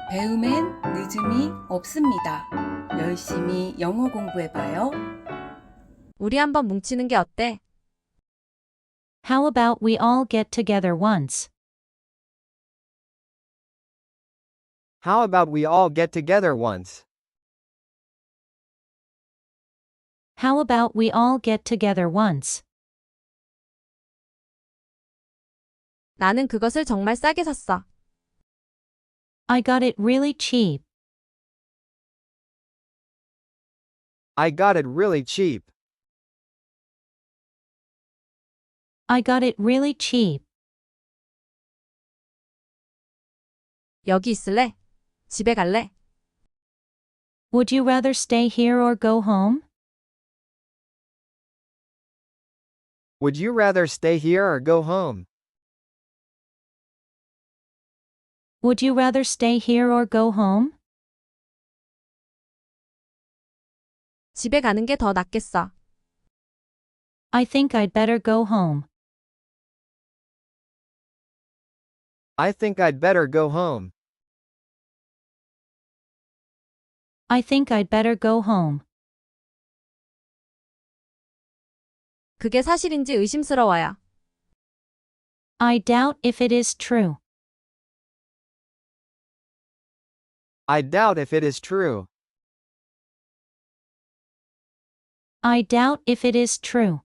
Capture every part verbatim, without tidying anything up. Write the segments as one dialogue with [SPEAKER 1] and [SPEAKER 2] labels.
[SPEAKER 1] 배움엔 늦음이 없습니다. 열심히 영어 공부해봐요.
[SPEAKER 2] 우리 한번 뭉치는 게 어때?
[SPEAKER 3] How about we all get together once?
[SPEAKER 4] How about we all get together once?
[SPEAKER 3] How about we all get together once?
[SPEAKER 2] 나는 그것을 정말 싸게 샀어.
[SPEAKER 3] I got it really cheap.
[SPEAKER 4] I got it really cheap.
[SPEAKER 3] I got it really cheap.
[SPEAKER 2] 여기 있을래? 집에 갈래?
[SPEAKER 3] Would you rather stay here or go home?
[SPEAKER 4] Would you rather stay here or go home?
[SPEAKER 3] Would you rather stay here or go home?
[SPEAKER 2] 집에 가는 게 더 낫겠어.
[SPEAKER 3] I think I'd better go home.
[SPEAKER 4] I think I'd better go home.
[SPEAKER 3] I think I'd better go home.
[SPEAKER 2] 그게 사실인지 의심스러워요.
[SPEAKER 3] I doubt if it is true.
[SPEAKER 4] I doubt if it is true.
[SPEAKER 3] I doubt if it is true.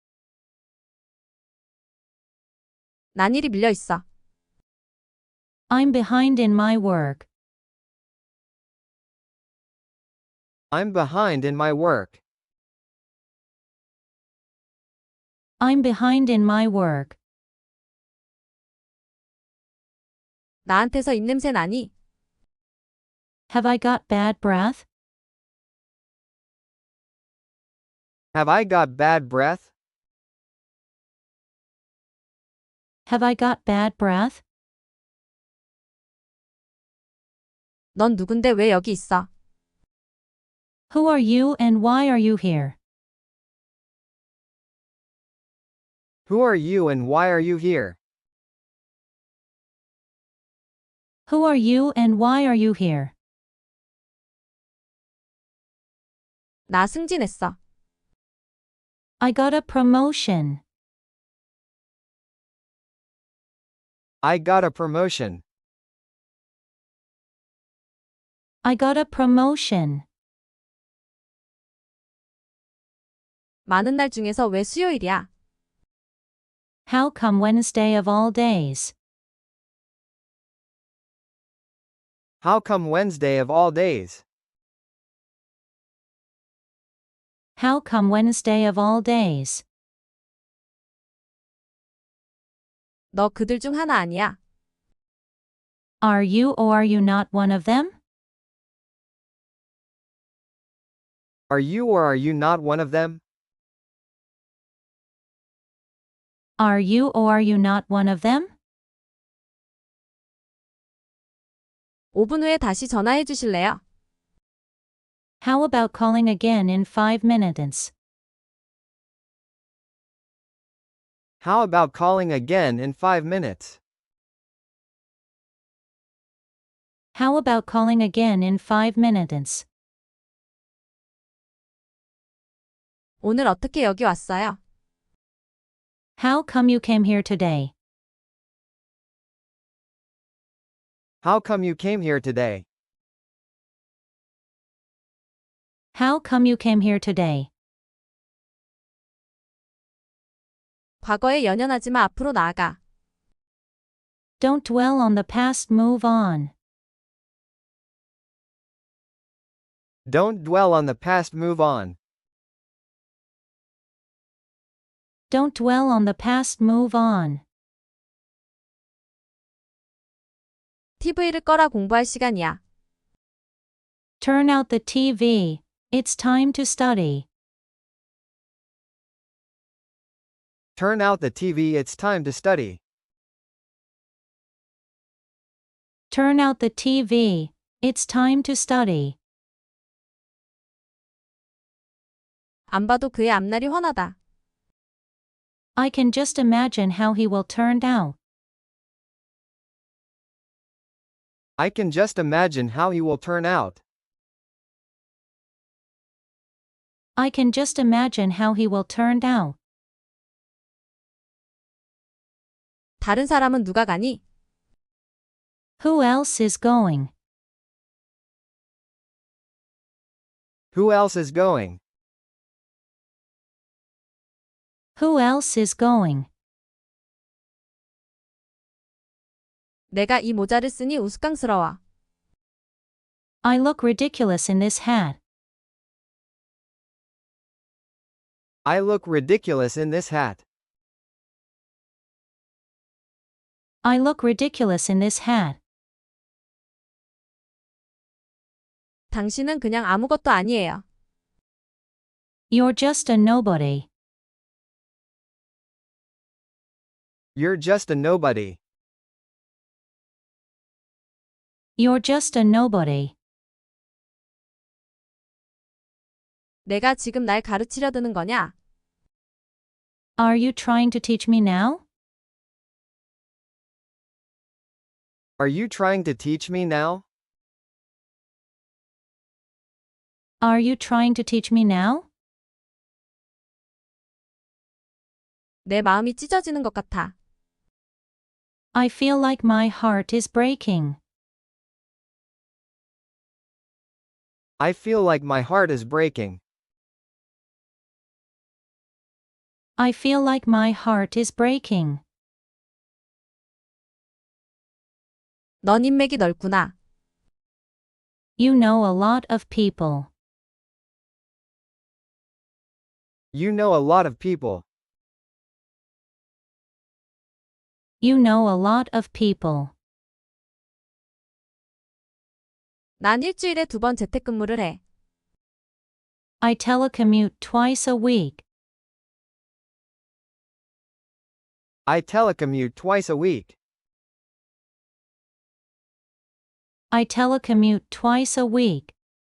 [SPEAKER 2] 난 일이 밀려 있어.
[SPEAKER 3] I'm behind in my work.
[SPEAKER 4] I'm behind in my work.
[SPEAKER 3] I'm behind in my work.
[SPEAKER 2] 나한테서 입냄새 나니?
[SPEAKER 3] Have I got bad breath?
[SPEAKER 4] Have I got bad breath?
[SPEAKER 3] Have I got bad breath?
[SPEAKER 2] 넌 누군데 왜 여기 있어?
[SPEAKER 3] Who are you and why are you here?
[SPEAKER 4] Who are you and why are you here?
[SPEAKER 3] Who are you and why are you here?
[SPEAKER 2] 나 승진했어.
[SPEAKER 3] I got a promotion.
[SPEAKER 4] I got a promotion.
[SPEAKER 3] I got a promotion.
[SPEAKER 2] 많은 날 중에서 왜 수요일이야?
[SPEAKER 3] How come Wednesday of all days?
[SPEAKER 4] How come Wednesday of all days?
[SPEAKER 3] How come Wednesday of all days?
[SPEAKER 2] 너 그들 중 하나 아니야.
[SPEAKER 3] Are you or are you not one of them?
[SPEAKER 4] Are you or are you not one of them?
[SPEAKER 3] Are you or are you not one of them?
[SPEAKER 2] 오 분 후에 다시 전화해 주실래요?
[SPEAKER 3] How about calling again in five minutes?
[SPEAKER 4] How about calling again in five minutes?
[SPEAKER 3] How about calling again in five minutes?
[SPEAKER 2] 오늘 어떻게 여기 왔어요?
[SPEAKER 3] How come you came here today?
[SPEAKER 4] How come you came here today?
[SPEAKER 3] How come you came here today?
[SPEAKER 2] 과거에 연연하지 마. 앞으로 나아가.
[SPEAKER 3] Don't dwell on the past, move on.
[SPEAKER 4] Don't dwell on the past, move on.
[SPEAKER 3] Don't dwell on the past, move on.
[SPEAKER 2] 티비를 꺼라. 공부할 시간이야.
[SPEAKER 3] Turn out the T V. It's time to study.
[SPEAKER 4] Turn out the T V, it's time to study.
[SPEAKER 3] Turn out the T V. It's time to study.
[SPEAKER 2] 안 봐도 그의 앞날이 훤하다.
[SPEAKER 3] I can just imagine how he will turn out.
[SPEAKER 4] I can just imagine how he will turn out.
[SPEAKER 3] I can just imagine how he will turn out.
[SPEAKER 2] 다른 사람은 누가 가니?
[SPEAKER 3] Who else is going?
[SPEAKER 4] Who else is going?
[SPEAKER 3] Who else is going?
[SPEAKER 2] 내가 이 모자를 쓰니 우스꽝스러워.
[SPEAKER 3] I look ridiculous in this hat.
[SPEAKER 4] I look ridiculous in this hat.
[SPEAKER 3] I look ridiculous in this hat.
[SPEAKER 2] 당신은 그냥 아무것도 아니에요.
[SPEAKER 3] You're just a nobody.
[SPEAKER 4] You're just a nobody.
[SPEAKER 3] You're just a nobody.
[SPEAKER 2] 내가 지금 날 가르치려 드는 거냐?
[SPEAKER 3] Are you trying to teach me now?
[SPEAKER 4] Are you trying to teach me now?
[SPEAKER 3] Are you trying to teach me now?
[SPEAKER 2] 내 마음이 찢어지는 것 같아.
[SPEAKER 3] I feel like my heart is breaking.
[SPEAKER 4] I feel like my heart is breaking.
[SPEAKER 3] I feel like my heart is breaking.
[SPEAKER 2] 넌 인맥이 넓구나.
[SPEAKER 3] You know a lot of people.
[SPEAKER 4] You know a lot of people.
[SPEAKER 3] You know a lot of people.
[SPEAKER 2] 난 일주일에 두 번 재택근무를 해.
[SPEAKER 3] I telecommute twice a week.
[SPEAKER 4] I telecommute twice a week.
[SPEAKER 3] I telecommute twice a week.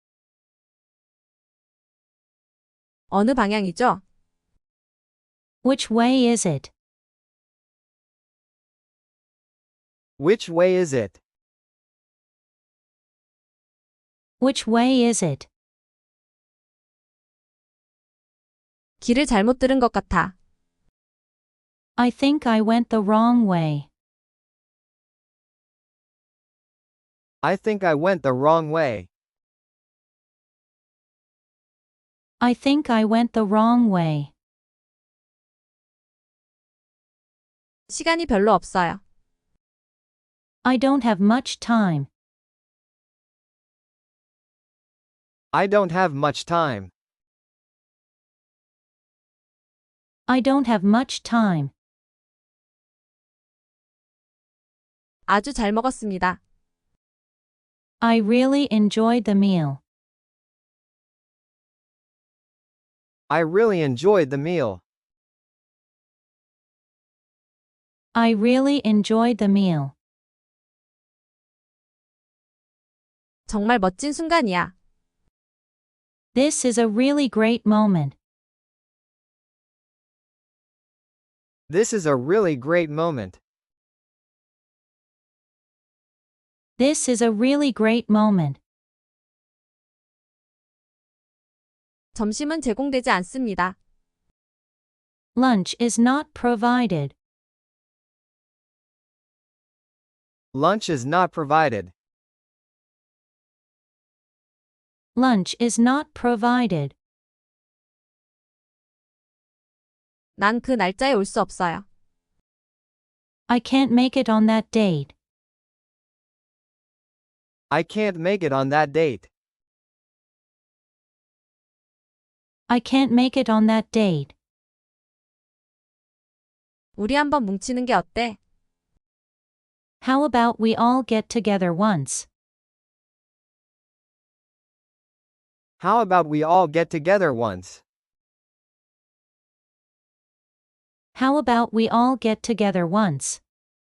[SPEAKER 2] 어느 방향이죠?
[SPEAKER 3] Which way is it?
[SPEAKER 4] Which way is it?
[SPEAKER 3] Which way is it?
[SPEAKER 2] 길을 잘못 들은 것 같아.
[SPEAKER 3] I think I went the wrong way.
[SPEAKER 4] I think I went the wrong way.
[SPEAKER 3] I think I went the wrong way.
[SPEAKER 2] 시간이 별로 없어요.
[SPEAKER 3] I don't have much time.
[SPEAKER 4] I don't have much time.
[SPEAKER 3] I don't have much time.
[SPEAKER 2] 아주 잘 먹었습니다.
[SPEAKER 3] I really enjoyed the meal.
[SPEAKER 4] I really enjoyed the meal.
[SPEAKER 3] I really enjoyed the meal.
[SPEAKER 2] 정말 멋진 순간이야.
[SPEAKER 3] This is a really great moment.
[SPEAKER 4] This is a really great moment.
[SPEAKER 3] This is a really great moment.
[SPEAKER 2] 점심은 제공되지 않습니다.
[SPEAKER 3] Lunch is not provided.
[SPEAKER 4] Lunch is not provided.
[SPEAKER 3] Lunch is not provided.
[SPEAKER 2] 난 그 날짜에 올 수 없어요.
[SPEAKER 3] I can't make it on that date.
[SPEAKER 4] I can't make it on that date.
[SPEAKER 3] I can't make it on that date.
[SPEAKER 2] 우리 한번 뭉치는 게 어때?
[SPEAKER 3] How about we all get together once?
[SPEAKER 4] How about we all get together once?
[SPEAKER 3] How about we all get together once?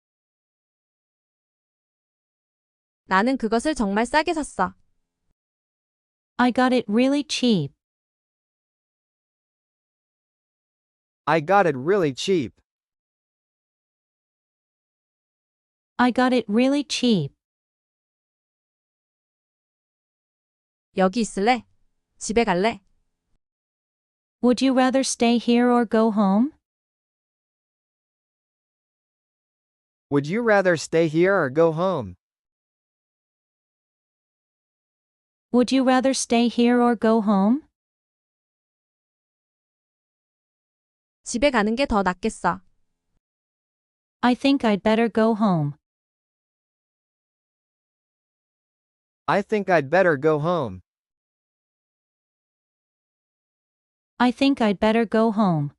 [SPEAKER 2] 나는 그것을 정말 싸게 샀어.
[SPEAKER 3] I got it really cheap.
[SPEAKER 4] I got it really cheap.
[SPEAKER 3] I got it really cheap.
[SPEAKER 2] 여기 있을래? 집에 갈래?
[SPEAKER 3] Would you rather stay here or go home?
[SPEAKER 4] Would you rather stay here or go home?
[SPEAKER 3] Would you rather stay here or go home?
[SPEAKER 2] 집에 가는 게 더 낫겠어.
[SPEAKER 3] I think I'd better go home.
[SPEAKER 4] I think I'd better go home.
[SPEAKER 3] I think I'd better go home.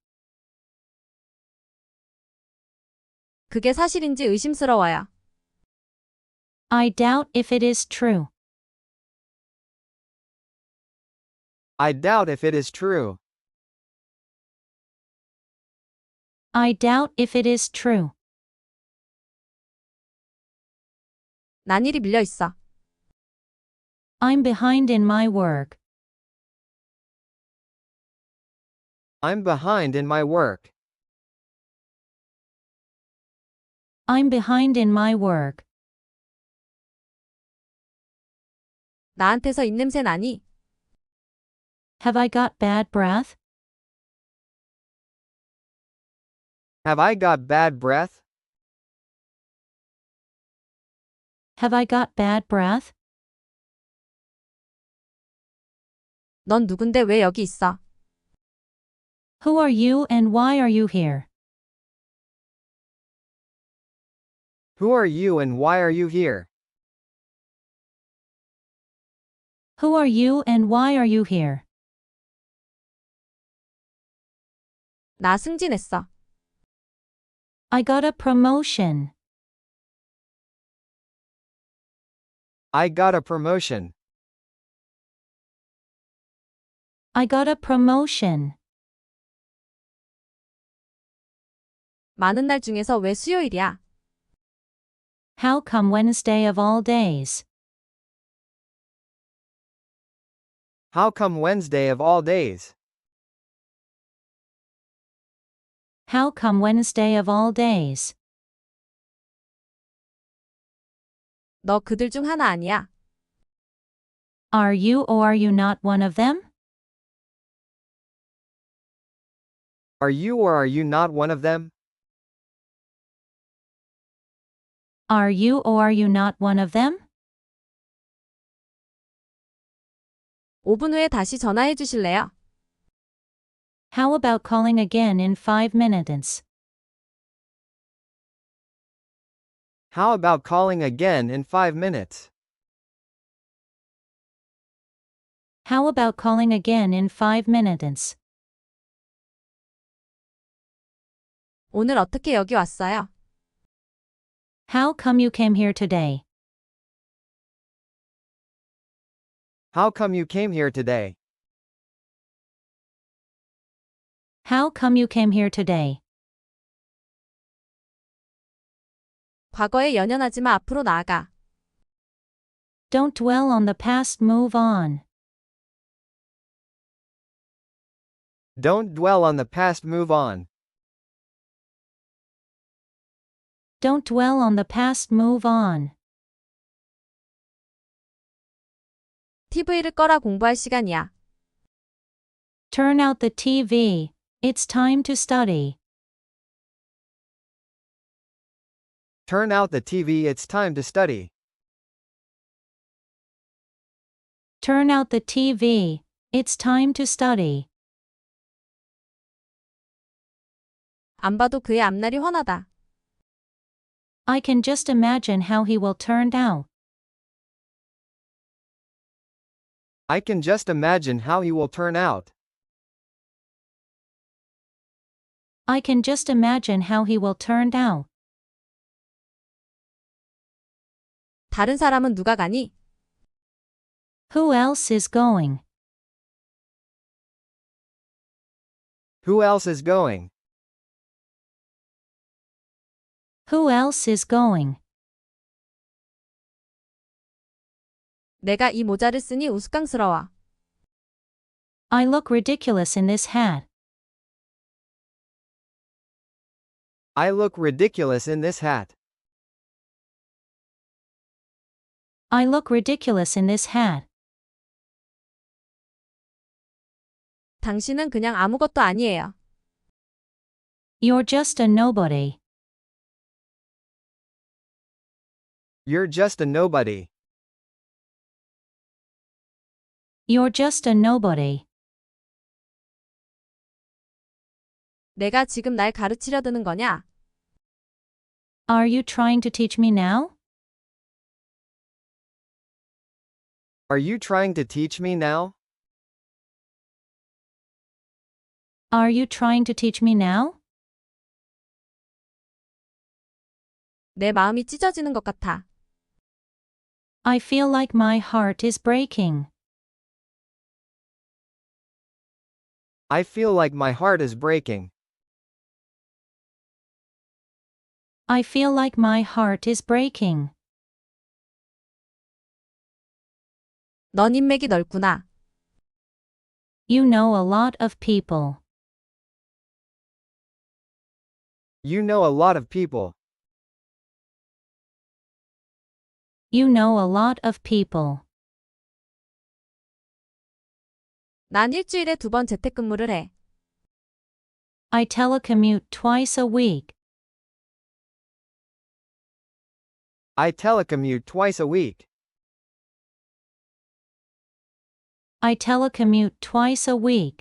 [SPEAKER 2] 그게 사실인지 의심스러워요.
[SPEAKER 3] I doubt if it is true.
[SPEAKER 4] I doubt if it is true.
[SPEAKER 3] I doubt if it is true.
[SPEAKER 2] 난 일이 밀려 있어.
[SPEAKER 3] I'm behind in my work.
[SPEAKER 4] I'm behind in my work.
[SPEAKER 3] I'm behind in my work.
[SPEAKER 2] 나한테서 입냄새 나니?
[SPEAKER 3] Have I got bad breath?
[SPEAKER 4] Have I got bad breath?
[SPEAKER 3] Have I got bad breath?
[SPEAKER 2] 넌 누군데 왜 여기 있어?
[SPEAKER 3] Who are you and why are you here?
[SPEAKER 4] Who are you and why are you here?
[SPEAKER 3] Who are you and why are you here?
[SPEAKER 2] 나 승진했어.
[SPEAKER 3] I got a promotion.
[SPEAKER 4] I got a promotion.
[SPEAKER 3] I got a promotion.
[SPEAKER 2] 많은 날 중에서 왜 수요일이야?
[SPEAKER 3] How come Wednesday of all days?
[SPEAKER 4] How come Wednesday of all days?
[SPEAKER 3] How come Wednesday of all days?
[SPEAKER 2] 너 그들 중 하나 아니야.
[SPEAKER 3] Are you or are you not one of them?
[SPEAKER 4] Are you or are you not one of them?
[SPEAKER 3] Are you or are you not one of them?
[SPEAKER 2] 오 분 후에 다시 전화해 주실래요?
[SPEAKER 3] How about calling again in five minutes?
[SPEAKER 4] How about calling again in five minutes?
[SPEAKER 3] How about calling again in five minutes?
[SPEAKER 2] 오늘 어떻게 여기 왔어요?
[SPEAKER 3] How come you came here today?
[SPEAKER 4] How come you came here today?
[SPEAKER 3] How come you came here today?
[SPEAKER 2] 과거에 연연하지 마. 앞으로 나아가.
[SPEAKER 3] Don't dwell on the past, move on.
[SPEAKER 4] Don't dwell on the past, move on.
[SPEAKER 3] Don't dwell on the past, move on.
[SPEAKER 2] 티비를 꺼라. 공부할 시간이야.
[SPEAKER 3] Turn out the T V. It's time to study.
[SPEAKER 4] Turn out the T V, it's time to study.
[SPEAKER 3] Turn out the T V. It's time to study.
[SPEAKER 2] 안 봐도 그의 앞날이 훤하다.
[SPEAKER 3] I can just imagine how he will turn out.
[SPEAKER 4] I can just imagine how he will turn out.
[SPEAKER 3] I can just imagine how he will turn out.
[SPEAKER 2] 다른 사람은 누가 가니?
[SPEAKER 3] Who else is going?
[SPEAKER 4] Who else is going?
[SPEAKER 3] Who else is going?
[SPEAKER 2] 내가 이 모자를 쓰니 우스꽝스러워.
[SPEAKER 3] I look ridiculous in this hat.
[SPEAKER 4] I look ridiculous in this hat.
[SPEAKER 3] I look ridiculous in this hat.
[SPEAKER 2] 당신은 그냥 아무것도 아니에요.
[SPEAKER 3] You're just a nobody.
[SPEAKER 4] You're just a nobody.
[SPEAKER 3] You're just a nobody.
[SPEAKER 2] 내가 지금 날 가르치려 드는 거냐?
[SPEAKER 3] Are you trying to teach me now?
[SPEAKER 4] Are you trying to teach me now?
[SPEAKER 3] Are you trying to teach me now?
[SPEAKER 2] 내 마음이 찢어지는 것 같아.
[SPEAKER 3] I feel like my heart is breaking.
[SPEAKER 4] I feel like my heart is breaking.
[SPEAKER 3] I feel like my heart is breaking.
[SPEAKER 2] 넌 인맥이 넓구나.
[SPEAKER 3] You know a lot of people.
[SPEAKER 4] You know a lot of people.
[SPEAKER 3] You know a lot of people.
[SPEAKER 2] 난 일주일에 두 번 재택근무를 해.
[SPEAKER 3] I telecommute twice a week.
[SPEAKER 4] I telecommute twice a week.
[SPEAKER 3] I telecommute twice a week.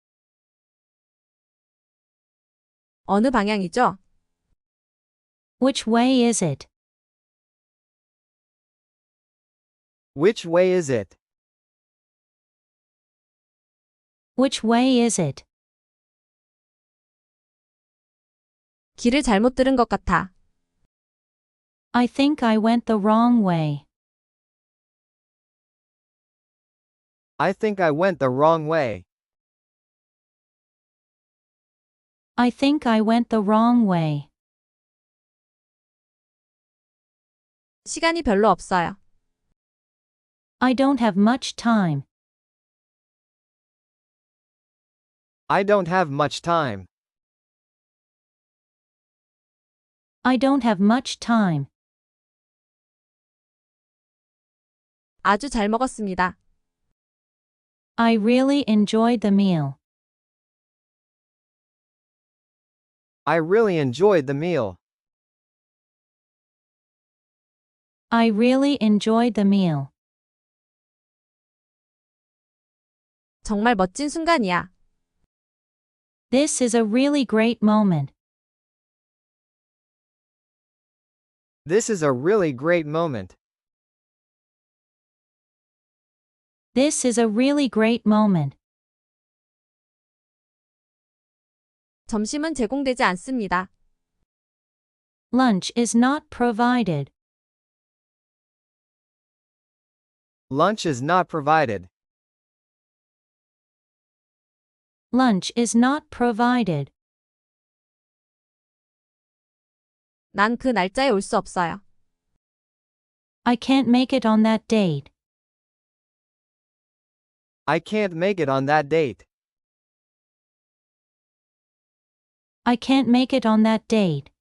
[SPEAKER 2] 어느 방향이죠?
[SPEAKER 3] Which way is it?
[SPEAKER 4] Which way is it?
[SPEAKER 3] Which way is it?
[SPEAKER 2] 길을 잘못 들은 것 같아.
[SPEAKER 3] I think I went the wrong way.
[SPEAKER 4] I think I went the wrong way.
[SPEAKER 3] I think I went the wrong way.
[SPEAKER 2] 시간이 별로 없어요.
[SPEAKER 3] I don't have much time.
[SPEAKER 4] I don't have much time.
[SPEAKER 3] I don't have much time.
[SPEAKER 2] 아주 잘 먹었습니다.
[SPEAKER 3] I really enjoyed the meal.
[SPEAKER 4] I really enjoyed the meal.
[SPEAKER 3] I really enjoyed the meal.
[SPEAKER 2] 정말 멋진 순간이야.
[SPEAKER 3] This is a really great moment.
[SPEAKER 4] This is a really great moment.
[SPEAKER 3] This is a really great moment.
[SPEAKER 2] 점심은 제공되지 않습니다.
[SPEAKER 3] Lunch is not provided.
[SPEAKER 4] Lunch is not provided.
[SPEAKER 3] Lunch is not provided.
[SPEAKER 2] 난 그 날짜에 올 수 없어요.
[SPEAKER 3] I can't make it on that date.
[SPEAKER 4] I can't make it on that date.
[SPEAKER 3] I can't make it on that date.